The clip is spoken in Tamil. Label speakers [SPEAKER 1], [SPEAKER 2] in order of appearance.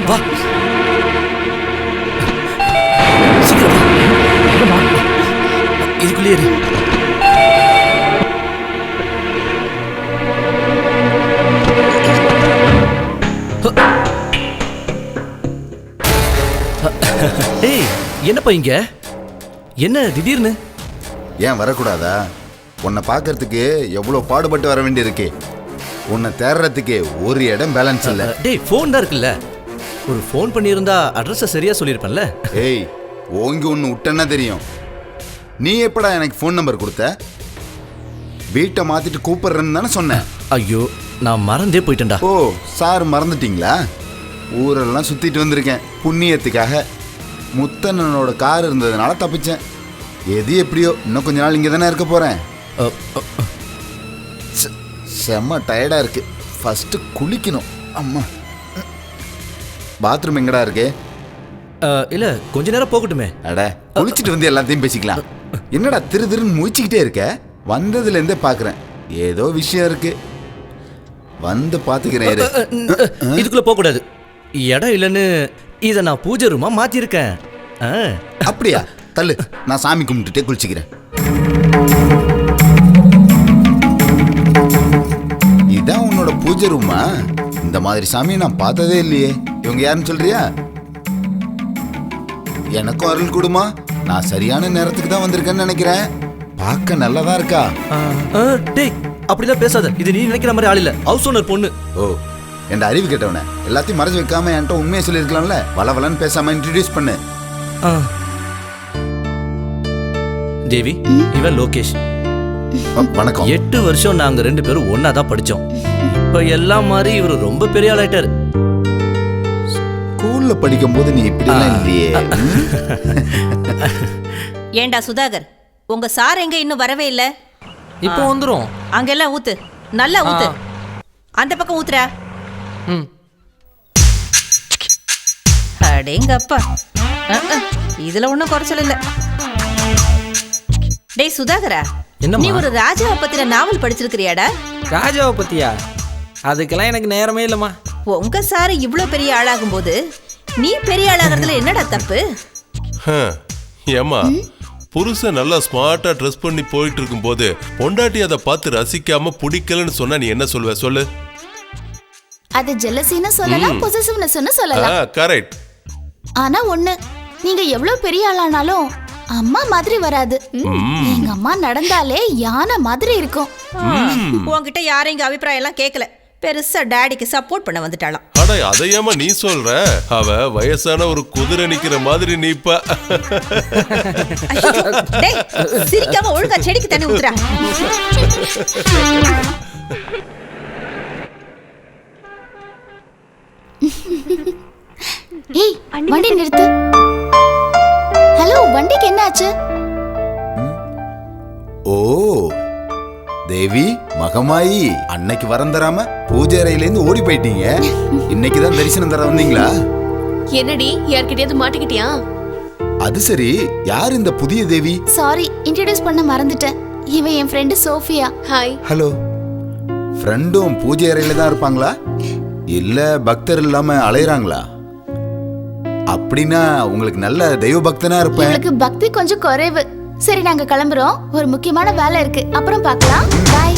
[SPEAKER 1] வா. சீக்கிரம் வா. இதுக்குள்ளே இரு. ஏய், என்னப்பா இங்க? என்ன திடீர்னு?
[SPEAKER 2] ஏன் வரக்கூடாதா? உன்னை பார்க்கறதுக்கு எவ்வளோ பாடுபட்டு வர வேண்டியிருக்கு. உன்னை தேடுறதுக்கு ஒரு இடம் பேலன்ஸ் இல்லை.
[SPEAKER 1] டேய், ஃபோன் தான் இருக்குல்ல. ஒரு ஃபோன் பண்ணியிருந்தா அட்ரஸை சரியா சொல்லியிருப்பேன்ல.
[SPEAKER 2] ஏய், ஓங்கி ஒன்று விட்டேன்னா தெரியும். நீ எப்படா எனக்கு ஃபோன் நம்பர் கொடுத்த? வீட்டை மாத்திட்டு கூப்பிடுறேன்னு தானே சொன்னேன்.
[SPEAKER 1] ஐயோ, நான் மறந்தே போயிட்டேன்டா.
[SPEAKER 2] ஓ, சார் மறந்துட்டீங்களா? ஊரெல்லாம் சுத்திட்டு வந்திருக்கேன் புண்ணியத்துக்காக. முத்தண்ணனோட கார் இருந்ததுனால தப்பிச்சேன். எது எப்படியோ, இன்னும் கொஞ்ச நாள் இங்கே தானே இருக்க போறேன். செம்ம டயர்டா இருக்கு. ஃபர்ஸ்ட் குளிக்கணும். அம்மா, பாத்ரூம் எங்கடா இருக்கு?
[SPEAKER 1] இல்ல, கொஞ்ச நேரம் போகட்டுமே.
[SPEAKER 2] அட, குளிச்சுட்டு வந்து எல்லாத்தையும் பேசிக்கலாம். என்னடா திரு திருன்னு முழிச்சுக்கிட்டே இருக்க? வந்ததுல இருந்தே பாக்குறேன், ஏதோ விஷயம் இருக்கு. வந்து பாத்துக்கிறேன்.
[SPEAKER 1] இதுக்குள்ள போக கூடாது. இடம் இல்லைன்னு இதை நான் பூஜை ரூமா மாத்திருக்கேன்.
[SPEAKER 2] அப்படியா? தள்ளு, நான் சாமி கும்பிட்டுட்டே குளிச்சுக்கிறேன். இதான் உன்னோட பூஜை ரூமா? இந்த மாதிரி சாமியை நான் பார்த்ததே இல்லையே. இவங்க யாருன்னு சொல்றியா? எனக்கும் அருள் கொடுமா. நான் சரியான நேரத்துக்கு தான் வந்திருக்கேன்னு நினைக்கிறேன். பார்க்க நல்லதா இருக்கா?
[SPEAKER 1] டேய், அப்படிலாம் பேசாத. இது நீ நினைக்கிற மாதிரி ஆள் இல்ல. ஹவுஸ் ஓனர் பொண்ணு.
[SPEAKER 2] ஓ, என் அறிவு கேட்டவன. எல்லாத்தையும் மறைச்சு வைக்காம என்கிட்ட உண்மையை சொல்லியிருக்கலாம்ல. வளவலன்னு பேசாம இன்ட்ரடியூஸ் பண்ணு.
[SPEAKER 1] தேவி, இவன் லோகேஷ்.
[SPEAKER 2] வணக்கம்.
[SPEAKER 1] 8 வருஷம் நாங்க 2 பேரும் ஒன்னா தான் படிச்சோம். இப்ப எல்லாம் மாதிரி இவரு ரொம்ப பெரிய ஆளாயிட்டாரு.
[SPEAKER 2] ஸ்கூல்ல படிக்கும் போது நீ இப்படிலாம் இல்லையே.
[SPEAKER 3] ஏண்டா சுதாகர், உங்க சார் எங்க இன்னும் வரவே இல்ல?
[SPEAKER 4] இப்போ வந்துரும்.
[SPEAKER 3] அங்கெல்லாம் ஊத்து, நல்லா ஊத்து. அந்த பக்கம் ஊத்துறா. அடேங்கப்பா, இதுல ஒண்ணும் குறைச்சல் இல்ல. டேய் சுதாகரா, நீ ஒரு ராஜாவை பத்தின நாவல் படிச்சிருக்கிறியாடா?
[SPEAKER 4] ராஜாவை பத்தியா? அதுக்கெல்லாம் எனக்கு நேரமே இல்லம்மா.
[SPEAKER 3] உங்க சார் இவ்வளவு பெரிய ஆளாகும் போது நீ பெரிய ஆளாகிறதுல என்னடா தப்பு?
[SPEAKER 5] ஏமா, புருஷன் நல்லா ஸ்மார்ட்டா ட்ரெஸ் பண்ணி போயிட்டு இருக்கும் போது பொண்டாட்டி அதை பார்த்து ரசிக்காம பிடிக்கலன்னு சொன்னா நீ என்ன சொல்லுவ? சொல்லு.
[SPEAKER 6] அது ஜெலசின்னு சொல்லலாம், பொசசிவ்னஸ்னு சொல்லலாம்.
[SPEAKER 5] கரெக்ட்.
[SPEAKER 6] ஆனா ஒண்ணு, நீங்க எவ்வளவு பெரிய ஆளானாலும் அம்மா மாதிரி வராது. எங்க அம்மா நடந்தாலே யானை மாதிரி இருக்கும்.
[SPEAKER 3] உன்கிட்ட யாரும் இங்க அபிப்பிராயம் எல்லாம் கேட்கல. பெருசா டாடிக்கு சப்போர்ட் பண்ண வந்துட்டாளாம்.
[SPEAKER 5] அட, அதையாம நீ சொல்ற? அவ வயசான ஒரு குதிரை நிக்கிற மாதிரி நீப்பா.
[SPEAKER 3] டேய், சிரிக்காம ஒழுங்கா செடிக்கு தண்ணி ஊத்துறா.
[SPEAKER 6] ஏய், வண்டி நிறுத்து. ஹலோ, வண்டிக்கு என்ன ஆச்சு?
[SPEAKER 2] ஓ தேவி, மகமாயி, அன்னைக்கு வரம் தராம பூஜை அறையிலேருந்து ஓடி போயிட்டீங்க. இன்னைக்கு தான் தரிசனம் தர வந்தீங்களா?
[SPEAKER 7] என்னடி, யார்கிட்டயாவது மாட்டிக்கிட்டியா?
[SPEAKER 2] அது சரி, யார் இந்த புதிய தேவி?
[SPEAKER 6] சாரி, இன்ட்ரோடியூஸ் பண்ண மறந்துட்டேன். இவ என் ஃப்ரெண்டு சோஃபியா.
[SPEAKER 7] ஹாய்.
[SPEAKER 2] ஹலோ. ஃப்ரெண்டும் பூஜை அறையில தான் இருப்பாங்களா, இல்ல பக்தர் இல்லாம அலையறாங்களா? அப்படின்னா உங்களுக்கு நல்ல தெய்வ பக்தனா இருப்பேன்.
[SPEAKER 6] எனக்கு பக்தி கொஞ்சம் குறைவு. சரி, நாங்க கிளம்புறோம். ஒரு முக்கியமான வேலை இருக்கு, அப்புறம் பார்க்கலாம். பாய்.